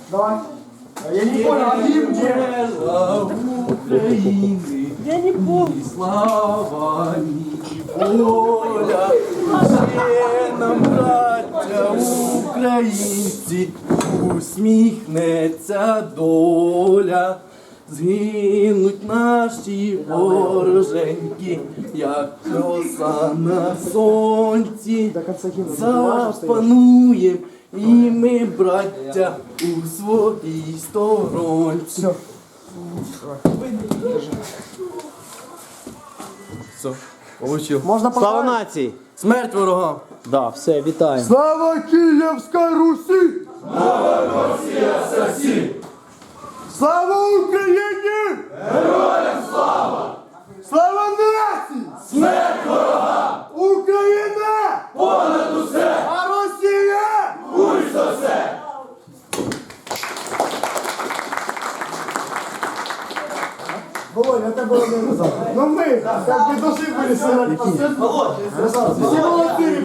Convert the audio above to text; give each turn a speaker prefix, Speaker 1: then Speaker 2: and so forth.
Speaker 1: Давай. Я не понял, а гимн где?
Speaker 2: України,
Speaker 3: Я не помню.
Speaker 2: ні слава, ні воля, ще нам, браття українці, усміхнеться доля. Згинуть наші вороженьки, як роса на сонці. Запануєм і ми, браття, у своїй сторонці. Все, получив.
Speaker 1: Можна
Speaker 4: Слава
Speaker 1: поставити?
Speaker 4: нації!
Speaker 2: Смерть ворогам!
Speaker 4: Да, все, вітаємо.
Speaker 1: Слава Київській Русі! Слава Росії! Слава Україні! Героям слава! Слава нації! Смерть ворогам! Україна! Понад усе! А Росія! Хуй за все! Володя, это было не Ну мы, как бы должны были сыграть по сцену. Володя,